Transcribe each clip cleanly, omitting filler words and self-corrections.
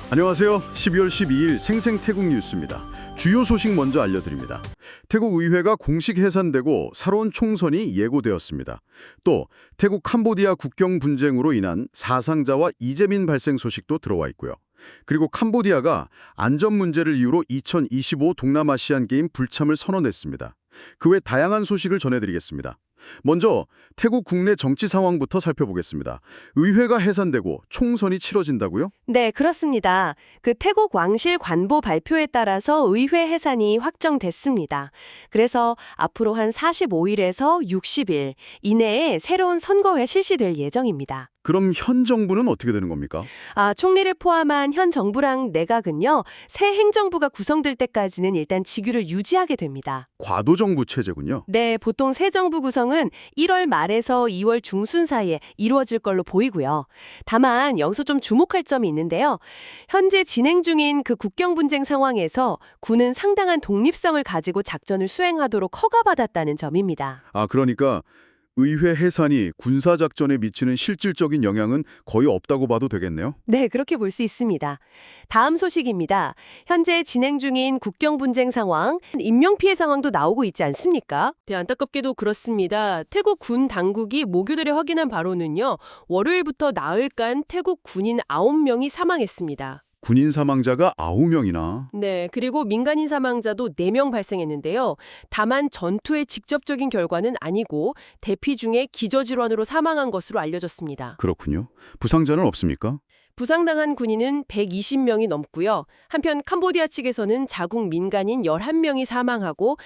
안녕하세요. 12월 12일 생생태국 뉴스입니다. 주요 소식 먼저 알려드립니다. 태국 의회가 공식 해산되고 새로운 총선이 예고되었습니다. 또 태국 캄보디아 국경 분쟁으로 인한 사상자와 이재민 발생 소식도 들어와 있고요. 그리고 캄보디아가 안전 문제를 이유로 2025 동남아시안 게임 불참을 선언했습니다. 그 외 다양한 소식을 전해드리겠습니다. 먼저 태국 국내 정치 상황부터 살펴보겠습니다. 의회가 해산되고 총선이 치러진다고요? 네, 그렇습니다. 그 태국 왕실 관보 발표에 따라서 의회 해산이 확정됐습니다. 그래서 앞으로 한 45일에서 60일 이내에 새로운 선거회 실시될 예정입니다. 그럼 현 정부는 어떻게 되는 겁니까? 총리를 포함한 현 정부랑 내각은요, 새 행정부가 구성될 때까지는 일단 직위를 유지하게 됩니다. 과도정부 체제군요. 네, 보통 새 정부 구성은 1월 말에서 2월 중순 사이에 이루어질 걸로 보이고요. 다만 여기서 좀 주목할 점이 있는데요. 현재 진행 중인 그 국경 분쟁 상황에서 군은 상당한 독립성을 가지고 작전을 수행하도록 허가받았다는 점입니다. 그러니까 의회 해산이 군사작전에 미치는 실질적인 영향은 거의 없다고 봐도 되겠네요. 네, 그렇게 볼 수 있습니다. 다음 소식입니다. 현재 진행 중인 국경 분쟁 상황, 인명피해 상황도 나오고 있지 않습니까? 네, 안타깝게도 그렇습니다. 태국 군 당국이 목요일에 확인한 바로는요. 월요일부터 나흘간 태국 군인 9명이 사망했습니다. 군인 사망자가 9명이나. 네, 그리고 민간인 사망자도 4명 발생했는데요. 다만 전투의 직접적인 결과는 아니고 대피 중에 기저질환으로 사망한 것으로 알려졌습니다. 그렇군요. 부상자는 없습니까? 부상당한 군인은 120명이 넘고요. 한편 캄보디아 측에서는 자국 민간인 11명이 사망하고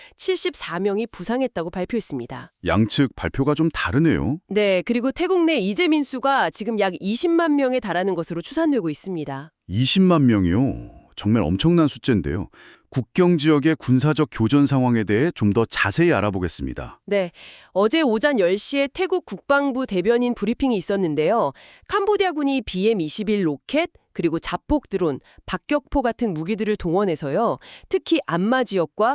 74명이 부상했다고 발표했습니다. 양측 발표가 좀 다르네요. 네, 그리고 태국 내 이재민 수가 지금 약 20만 명에 달하는 것으로 추산되고 있습니다. 20만 명이요. 정말 엄청난 숫자인데요. 국경 지역의 군사적 교전 상황에 대해 좀 더 자세히 알아보겠습니다. 네, 어제 오전 10시에 태국 국방부 대변인 브리핑이 있었는데요. 캄보디아군이 BM-21 로켓, 그리고 자폭 드론, 박격포 같은 무기들을 동원해서요. 특히 안마 지역과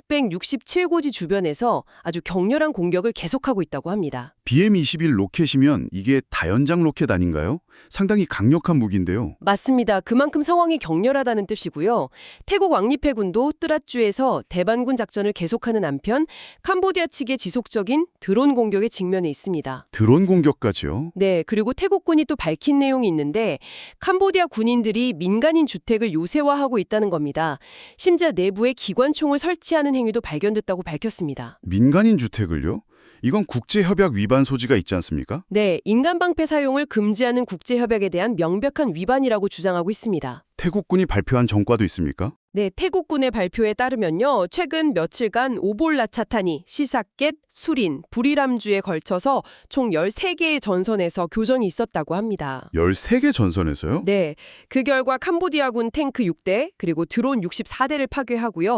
667고지 주변에서 아주 격렬한 공격을 계속하고 있다고 합니다. BM-21 로켓이면 이게 다연장 로켓 아닌가요? 상당히 강력한 무기인데요. 맞습니다. 그만큼 상황이 격렬하다는 뜻이고요. 태국 왕립해군도 뜨랏주에서 대반군 작전을 계속하는 한편 캄보디아 측의 지속적인 드론 공격에 직면해 있습니다. 드론 공격까지요? 네, 그리고 태국군이 또 밝힌 내용이 있는데 캄보디아 군인들이 민간인 주택을 요새화하고 있다는 겁니다. 심지어 내부에 기관총을 설치하는 행위도 발견됐다고 밝혔습니다. 민간인 주택을요? 이건 국제협약 위반 소지가 있지 않습니까? 네, 인간방패 사용을 금지하는 국제협약에 대한 명백한 위반이라고 주장하고 있습니다. 태국군이 발표한 전과도 있습니까? 네, 태국군의 발표에 따르면요. 최근 며칠간 오볼라차타니, 시사켓, 수린, 부리람주에 걸쳐서 총 13개의 전선에서 교전이 있었다고 합니다. 13개 전선에서요? 네, 그 결과 캄보디아군 탱크 6대, 그리고 드론 64대를 파괴하고요.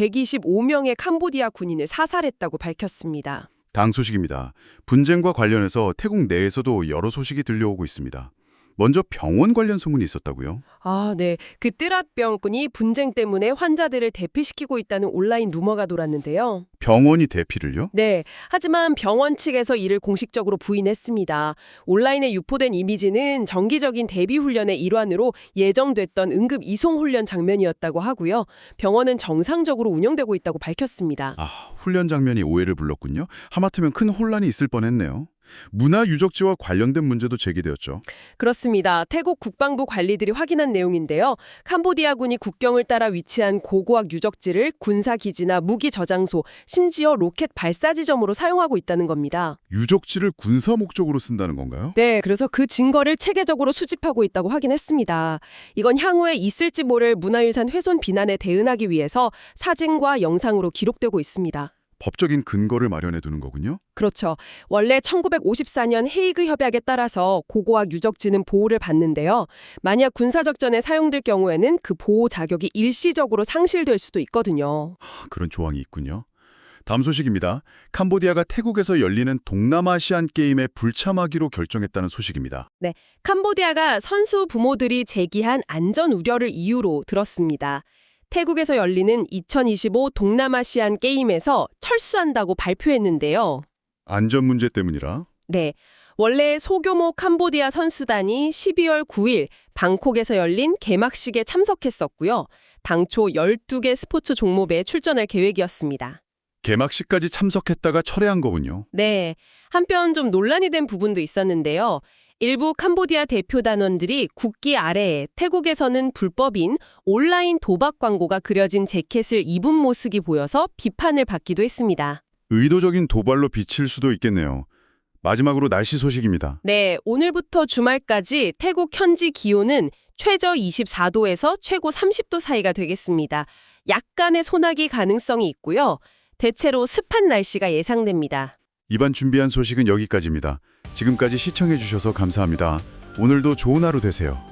125명의 캄보디아 군인을 사살했다고 밝혔습니다. 다음 소식입니다. 분쟁과 관련해서 태국 내에서도 여러 소식이 들려오고 있습니다. 먼저 병원 관련 소문이 있었다고요? 네. 그 뜨랏병군이 분쟁 때문에 환자들을 대피시키고 있다는 온라인 루머가 돌았는데요. 병원이 대피를요? 네. 하지만 병원 측에서 이를 공식적으로 부인했습니다. 온라인에 유포된 이미지는 정기적인 대비 훈련의 일환으로 예정됐던 응급 이송 훈련 장면이었다고 하고요. 병원은 정상적으로 운영되고 있다고 밝혔습니다. 훈련 장면이 오해를 불렀군요. 하마터면 큰 혼란이 있을 뻔했네요. 문화 유적지와 관련된 문제도 제기되었죠. 그렇습니다. 태국 국방부 관리들이 확인한 내용인데요. 캄보디아군이 국경을 따라 위치한 고고학 유적지를 군사기지나 무기 저장소, 심지어 로켓 발사 지점으로 사용하고 있다는 겁니다. 유적지를 군사 목적으로 쓴다는 건가요? 네, 그래서 그 증거를 체계적으로 수집하고 있다고 확인했습니다. 이건 향후에 있을지 모를 문화유산 훼손 비난에 대응하기 위해서 사진과 영상으로 기록되고 있습니다. 법적인 근거를 마련해 두는 거군요. 그렇죠. 원래 1954년 헤이그 협약에 따라서 고고학 유적지는 보호를 받는데요. 만약 군사적전에 사용될 경우에는 그 보호 자격이 일시적으로 상실될 수도 있거든요. 그런 조항이 있군요. 다음 소식입니다. 캄보디아가 태국에서 열리는 동남아시안 게임에 불참하기로 결정했다는 소식입니다. 캄보디아가 선수 부모들이 제기한 안전 우려를 이유로 들었습니다. 태국에서 열리는 2025 동남아시안 게임에서 철수한다고 발표했는데요. 안전 문제 때문이라? 네. 원래 소규모 캄보디아 선수단이 12월 9일 방콕에서 열린 개막식에 참석했었고요. 당초 12개 스포츠 종목에 출전할 계획이었습니다. 개막식까지 참석했다가 철회한 거군요. 네, 한편 좀 논란이 된 부분도 있었는데요. 일부 캄보디아 대표 단원들이 국기 아래에 태국에서는 불법인 온라인 도박 광고가 그려진 재킷을 입은 모습이 보여서 비판을 받기도 했습니다. 의도적인 도발로 비칠 수도 있겠네요. 마지막으로 날씨 소식입니다. 네, 오늘부터 주말까지 태국 현지 기온은 최저 24도에서 최고 30도 사이가 되겠습니다. 약간의 소나기 가능성이 있고요. 대체로 습한 날씨가 예상됩니다. 이번 준비한 소식은 여기까지입니다. 지금까지 시청해 주셔서 감사합니다. 오늘도 좋은 하루 되세요.